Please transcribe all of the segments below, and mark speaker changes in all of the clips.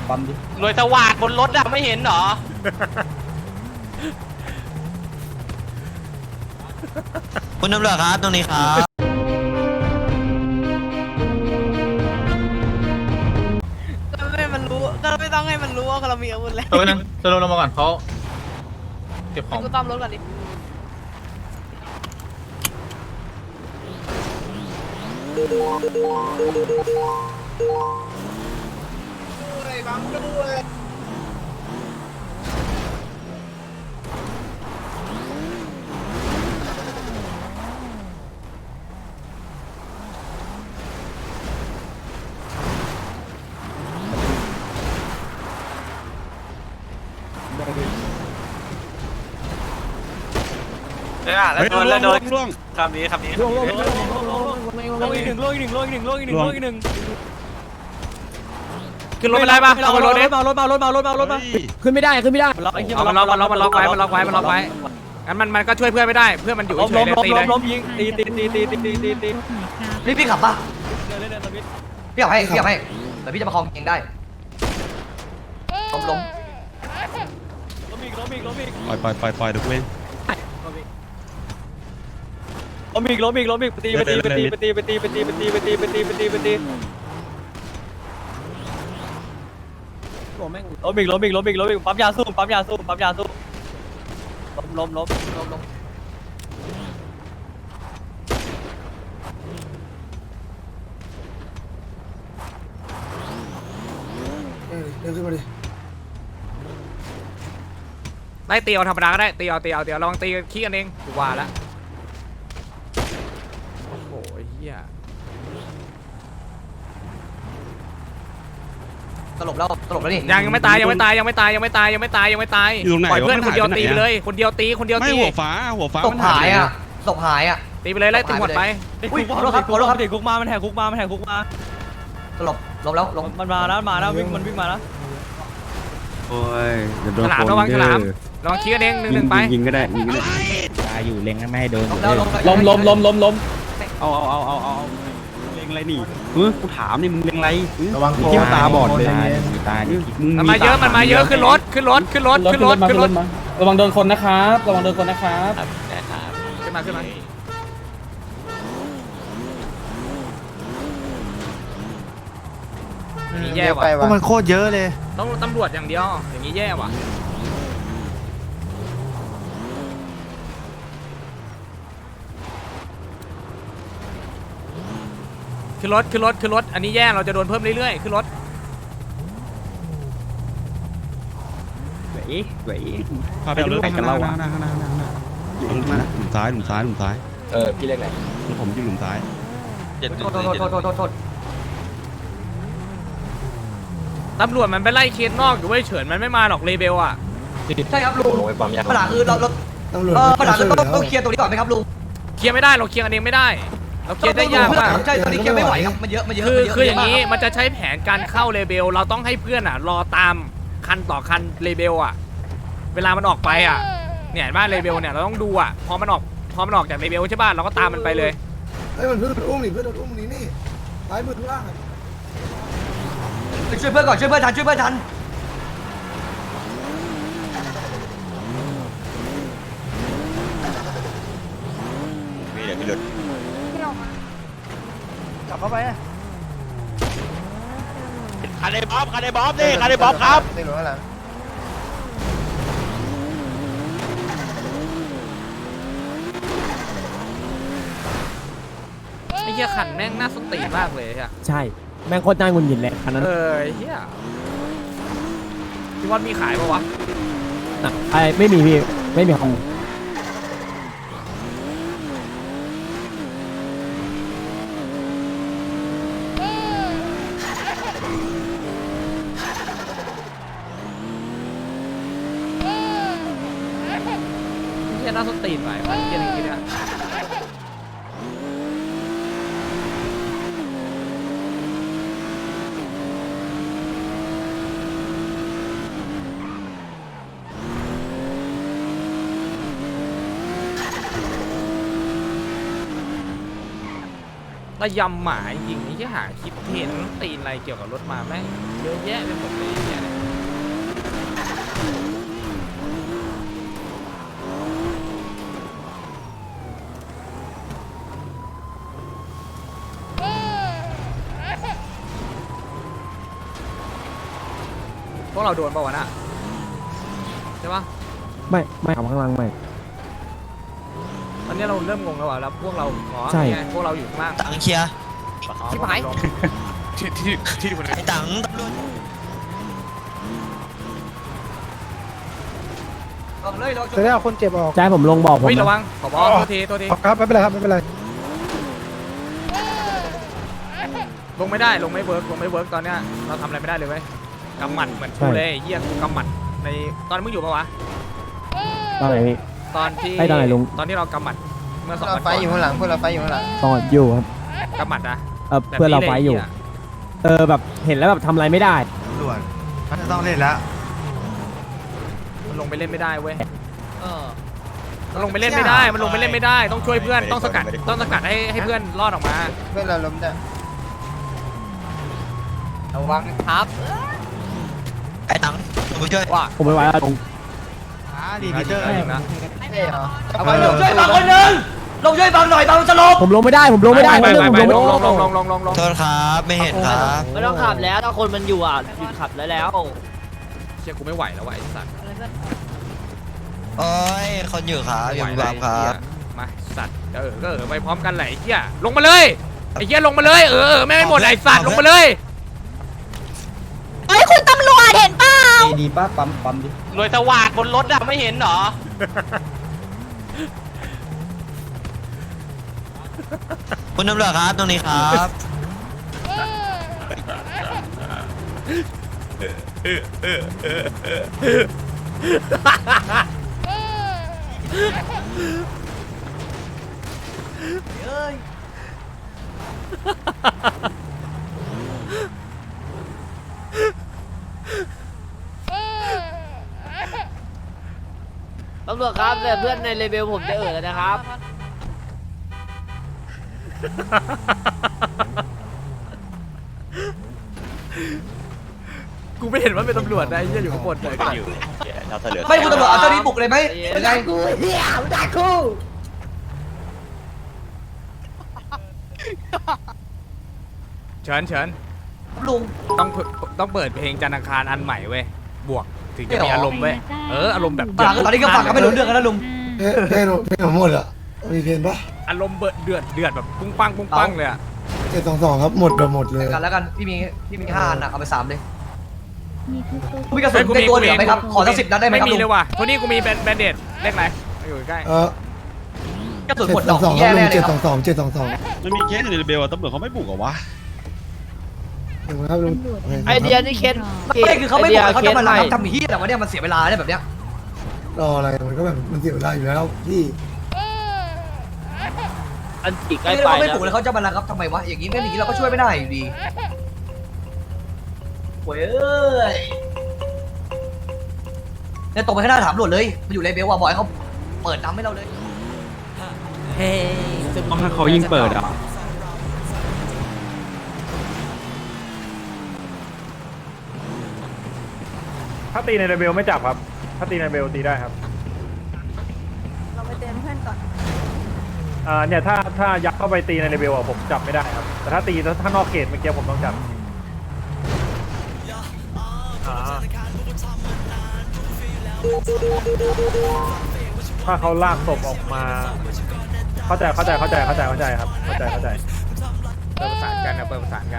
Speaker 1: ปั๊มดิ
Speaker 2: รวยสว่างบนรถอะไม่เห็นเหรอ
Speaker 3: คุณตำรวจครับตรงนี้ครับ
Speaker 4: ก็ไม่ให้มันรู้ก็ไม่ต้องให้มันรู้ว่าเรามีอาวุธแล้ว
Speaker 5: ตัวนึงสโลลงมาก่อนเขาเก็บของ
Speaker 4: กูต้อมรถก่อนดิ
Speaker 2: แล้วโดนแล้วโดนคำนี้คำนี้
Speaker 1: ลงอีกหนึ่งลงอีกหนึ่งลงอีกหนึ่งลงอีกหนึ่งลงอีกหนึ่ง
Speaker 2: ขึ้นรถไปได้ปะเอาไปรถดิ
Speaker 1: มารถมาขึ้นไม่ได้ขึ้นไม่ได้ล็อกไอ้เหี้ย
Speaker 2: มันล็อกไว้งั้นมันก็ช่วยเพื่อนไม่ได้เพื่อนมันอยู่เฉยเลยตีเลย
Speaker 1: ล้มยิงตี
Speaker 6: พี่ขับปะ
Speaker 1: เล่นสวิต
Speaker 6: พี่ขับให้แต่พี่จะมาคลองเองได้ล้ม
Speaker 1: ล้มอีก
Speaker 7: ปล่อยเดี๋ยวกูเอง
Speaker 1: ล้มอีกตีไปตีล้มอีกปั๊มยาสู้ล้ม
Speaker 2: ได้ตีเอาธรรมดาก็ได้ตีเอาลองตีขี้กันเองกูว่าแล้วโอ้โหเฮีย
Speaker 6: ตลบแล้วนี่
Speaker 2: ยังไม่ตายปล่อยเพื่อนคนเดียวตีไปเลยคนเดียวตี
Speaker 7: ไม่หัวฟ้า
Speaker 6: ศพหายอ่ะ
Speaker 2: ตีไปเลยไล่ตีหมดไป
Speaker 6: อุ้ยขอโทษครับ
Speaker 1: เด็กคุกมามันแหกคุกมา
Speaker 6: ตลบแล้วลง
Speaker 1: มันมาแล้ววิ่งมาแล้ว
Speaker 7: โอ้ยจะโดน
Speaker 2: ฉลามระวังฉลามลองขี้กันเองหนึ่งไป
Speaker 7: ยิงก็ได้
Speaker 8: ตายอยู่เล็งไม่ให้โดน
Speaker 6: แล้ว
Speaker 1: ล้ม
Speaker 7: เอาเล็งอะไรนี่กูถามนี่มึงเล็งอะไร
Speaker 8: ระวัง
Speaker 7: ที่ตาบอดเลย
Speaker 8: ตาย
Speaker 7: มึง
Speaker 2: มันมาเยอะขึ้นรถ
Speaker 1: ระวังโดนคนนะครับขึ้นมา
Speaker 2: อย่างนี้แย่ว่ะ
Speaker 3: ก็มันโคตรเยอะเลย
Speaker 2: ต้องตำรวจอย่างเดียวอย่างนี้แย่ว่ะขึ้นรถอันนี้แย่เราจะโดนเพิ่มเรื่อยๆขึ้นรถ
Speaker 7: ไหวพาไปดูกันเราข้างหน้าหลุมซ้าย
Speaker 1: พี่เล็กไหน
Speaker 7: ผมอยู่หลุมซ้าย
Speaker 6: โทษ
Speaker 2: ตำรวจมันไปไล่เคสนอกอยู่เว้ยเฉินมันไม่มาหรอกเลเบลอ่ะ
Speaker 6: ใช่ครับลุงปัญหาคือเราปัญหาคือต้องเคลียร์ตรงนี้ก่อนไหมครับลุง
Speaker 2: เคลียร์ไม่ได้เราเคลียร์กันเองไม่ได้เราเคลียร์ได้ยากมาก
Speaker 6: ใช่ตอนนี้เคลียร์ไม่ไหวครับมันเยอะ
Speaker 2: คืออย่างนี้มันจะใช้แผนการเข้าเลเบลเราต้องให้เพื่อนอ่ะรอตามคันต่อคันเลเบลอ่ะเวลามันออกไปอ่ะเนี่ยบ้านเลเบลเนี่ยเราต้องดูอ่ะพอมันออกจากเลเบลใช่ป่ะเราก็ตามมันไปเลย
Speaker 9: เฮ้ยมันเพื่อนอุ้มนี่นี่ซ้ายมือข้างล่าง
Speaker 6: ช่วยเพื่อนก่อนช่วยเพื่อนทัน
Speaker 9: กลับเข้าไป
Speaker 3: คาเดบ๊อบนี่คาเดบ๊อบครับ
Speaker 9: นี่หรืออะไร
Speaker 2: ไอ้เหี้ยขันแม่งน่าสติมากเลยอ่ะ
Speaker 1: ใช่แม่งโคตรน่าหงุดหงิดเลยคันนั้น
Speaker 2: ไอ้เหี้ยพี่วัดมีขายปะวะ
Speaker 1: ไม่มีพี่ไม่มีของ
Speaker 2: เหี้ยน่าสติหน่อยมันเหี้ยอย่างงี้เนี่ย ระยำหมาจริงนี่จะหาคลิปเห็นตีนอะไรเกี่ยวกับรถมาแม่งเยอะแยะไปหมดเลยเนี่ยพวกเราโดนเปล่าวะน่ะใช่ปะ
Speaker 1: ไม่เอาข้างล่างไม่
Speaker 2: ตอนนี้เราเริ่มงงแล้วว่ะแล้วพวกเราอ๋อ
Speaker 1: ใช่
Speaker 2: ไงพวกเราอยู่ข้างล่าง
Speaker 3: ตังเคลียร์
Speaker 2: ชิบหาย
Speaker 3: ไอ้ตังตำรวจ
Speaker 6: ออกเลยเรา
Speaker 9: จะได้เอาคนเจ็บออก
Speaker 1: ใจผมลงบอกผม
Speaker 2: เฮ้ย
Speaker 1: นะ
Speaker 2: ระวังขอบอกตัวทีตัวที
Speaker 9: ครับไม่เป็นไรครับไม่เป็นไร
Speaker 2: ลงไม่ได้ลงไม่เวิร์กลงไม่เวิร์กตอนเนี้ยเราทำอะไรไม่ได้เลยเว้ยกำหมัดเหมือนกูเลยไอ้เหี้ยกูกำหมัดในตอนมึงอยู่ปะวะ
Speaker 1: ตอนไหนพี่
Speaker 2: ตอนที่
Speaker 1: ให้ตอนไหนลุง
Speaker 2: ตอนที่เรากำหมัดเมื่อ2 วัน
Speaker 4: ไฟ
Speaker 2: ก่อน
Speaker 4: อยู่ข้างหลังพวกเราไฟอยู่ข้างหลัง
Speaker 1: ตอนอยู่ครับ
Speaker 2: กำหมัดนะ
Speaker 1: เพื่อนเราไฟอยู่ แบบเห็นแล้วแบบทำอะไรไม่ได้
Speaker 3: ตำรวจมันจะต้องเล่นแล้ว
Speaker 2: มันลงไปเล่นไม่ได้เว้ยมันลงไปเล่นไม่ได้มันลงไปเล่นไม่ได้ต้องช่วยเพื่อนต้องสกัดให้เพื่อนรอดออกมา
Speaker 4: เพื่อนเราล้มได้ระวังครับ
Speaker 3: ไอ้ตังมาช่วย
Speaker 2: ว่า
Speaker 1: ผมไม่ไหวแล้วลุง
Speaker 3: ดีพีเตอร์
Speaker 2: ยิงนะ
Speaker 4: ไม่ได้เหรอ
Speaker 6: เอาไปลงช่วยบังคนหนึ่งลงช่วยบังหน่อยบังสลบ
Speaker 1: ผมลงไม่ได้ผมลงไม่ได้
Speaker 2: ไป
Speaker 1: ผมลงไม่ได้
Speaker 2: ลง
Speaker 3: โทษครับไม่เห็นครับ
Speaker 4: ไม่ต้องขับแล้วถ้าคนมันอยู่อ่ะหยุดขับแล้ว
Speaker 2: เชี่ยกูไม่ไหวแล้วว่ะไอ้สัตว์
Speaker 3: โอ้ยคนอยู่ครับอยู่บามครับ
Speaker 2: มาสัตว์ก็ไปพร้อมกันแหละไอ้เหี้ยลงมาเลยไอ้เหี้ยลงมาเลยไม่ให้หมดไอ้สัตว์ลงมาเลย
Speaker 4: เฮ้ยคุณตำรวจเห็นเปล่า
Speaker 8: ดีป้าปั๊มดิ
Speaker 3: รวยสวัสดบนรถอะไม่เห็นหรอ คุณตำรวจครับตรงนี้ครับ
Speaker 4: ตำรวจครับแต่เพื่อนในเลเวลผมจะแล้วนะครับ
Speaker 2: กูไม่เห็นว่าเป็นตำรวจนะไอ้เหี้ยอยู่ข้างบนเลย
Speaker 6: ไม่คุณตำรวจเอาเจ้านี้บุกเลยไหมยังไง
Speaker 2: เฉิน
Speaker 6: ลุง
Speaker 2: ต้องเปิดเพลงจันทร์อังคารอันใหม่เว้ยบวกถึงจะมี
Speaker 6: ไม่หรอ
Speaker 2: อารมณ์เว้ยอารมณ์แบบ
Speaker 6: ตอนนี้ก็ฟังกันไม่รู้เรื่องกันแล้วลุง
Speaker 9: เพลงหมดอ่ะมีเพลงปะ
Speaker 2: อารมณ์เดือดแบบปุ้งปังเลยอะ
Speaker 9: 722ครับหมดแบบหมดเลย
Speaker 6: กันแล้วกันพี่มี5 อันอะเอาไป3เลย
Speaker 10: มีทุกตัว
Speaker 6: มีกระสุนในตัวเหลือไหมครับขอสัก10 นัดได้ไหม
Speaker 2: ไม่
Speaker 6: ครับ
Speaker 2: มี
Speaker 6: ลุง
Speaker 2: เลยว่ะโทนี่กูมีแบนเดดเลขไหนอยู่ใกล้
Speaker 6: กระสุนหมดดอก
Speaker 9: 722ค
Speaker 6: แย่
Speaker 9: รับลุ
Speaker 6: แน่
Speaker 9: ง
Speaker 6: เลยครับ
Speaker 9: 722
Speaker 7: มันมีเคสในเรเบลอะตำรวจเขาไม่บุกเหรอวะ
Speaker 9: ถูกไหมครับลุง
Speaker 4: ไอเดียนี่เคส
Speaker 6: ไม่คือเขาไม่บอกเขาจะมารับทำเฮียแต่ว่าเนี่ยมันเสียเวลาเนี่ยแบบเนี้ย
Speaker 9: รออะไรมันก็แบบมันเสียเวลาอยู่แล้วพี่
Speaker 4: อันจีใกล้
Speaker 6: ไม่
Speaker 4: ไป
Speaker 6: เราไม่
Speaker 4: แล้
Speaker 6: ปลุกเลยเขาจะมารับทำไมวะอย่างนี้อย่างนี้เราก็ช่วยไม่ได้อยู่ดีโว้ยเนี่ยตรงไปข้างหน้าถามตำรวจเลยมันอยู่เลเบลว่าบอกให้เขาเปิดน้ำให้เราเลย
Speaker 7: ถ้าเขายิ่งเปิดอ่ะ
Speaker 5: ถ้าตีในเรเบลไม่จับครับ ถ้าตีในเรเบลตีได้ครับ
Speaker 10: เราไปเตือนเพื่อนก่อน
Speaker 5: เนี่ยถ้ายักเข้าไปตีในเรเบลอ่ะผมจับไม่ได้ครับ แต่ถ้าตีถ้านอกเขตเมื่อกี้ผมต้องจับถ้าเขาลากศพออกมา เข้าใจครับเข้าใจ
Speaker 2: เปิดประสานกันนะเปิดประสานกัน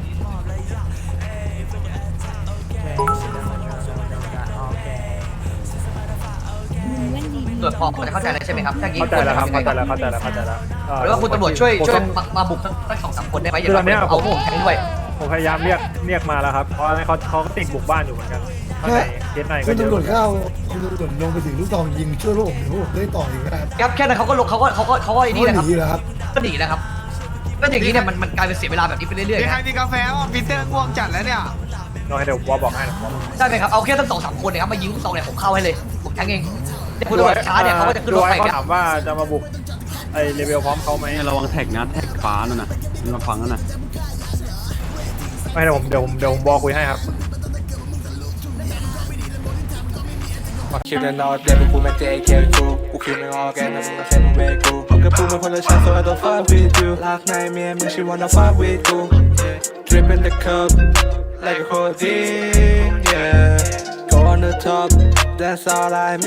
Speaker 6: ตรวจพอจะเข้าใจแล้วใช่ไหมครับถ้างี้
Speaker 5: เข้าใจแล้วครับเข้าใจแล้ว
Speaker 6: หรือว่าคุณตำรวจช่วยมาบุกสัก2-3 คนได้ไหมอย่าเอาผมแทงด้วย
Speaker 5: ผมพยายามเรียกมาแล้วครับ เพราะเขาก็ติดบุกบ้านอยู่เหมือนกันข้างในเคสในก็
Speaker 9: คุณ
Speaker 5: เยอะ
Speaker 9: ตำรวจเข้าคุณตำรวจลงไปถึงลูกซองยิงช่วยลูกผมเดี๋ยวผมได้ต่ออีกนะครับ
Speaker 6: ครับแค่นั้นเขาก็ลงเขาก็ไอ้นี่นะครับ
Speaker 9: หนีแล้วครับ
Speaker 6: ก็หนีนะครับก็อย่างนี้เนี่ยมันกลายเป็นเสียเวลาแบบนี้ไปเรื่อยๆ
Speaker 3: ใคร
Speaker 6: นะ
Speaker 3: มีกาแฟอ่ะปีเตอร์ง่วงจัดแล้วเนี่ย
Speaker 5: น้อยเดี๋ยววอบอกให้นะ
Speaker 6: ใช่ไหมครับเอาแค่ตั้ง2-3 คนเนี่ยครับมายิงลูกซองเนี่ยผมเข้าให้เลยผมแทงเองแต่คุณตำรวจช้าเนี่ยเขาก็จะขึ้นรถไป
Speaker 5: เขา
Speaker 6: เนี่ย
Speaker 5: ถามว่าจะมาบุกไอเลเวลพร้อมเขาไหม
Speaker 7: ระวังแท็กนะแท็กฟ้านั่นน่ะมันมาฟังนั่นน่ะ
Speaker 5: ไม่เดี๋ยวผมบอกคุยให้ครับ
Speaker 1: คิวเดินนอดเดบุกูแม็กเจเคกูกูคิวไม่ออกแกนะมึงก็แค่มึงเวกูผมกับกูมันคนละชั้น so I don't fuck with you ลากในเมียมึง she wanna fuck with กู drip in the cup like a codeine yeah top That's all I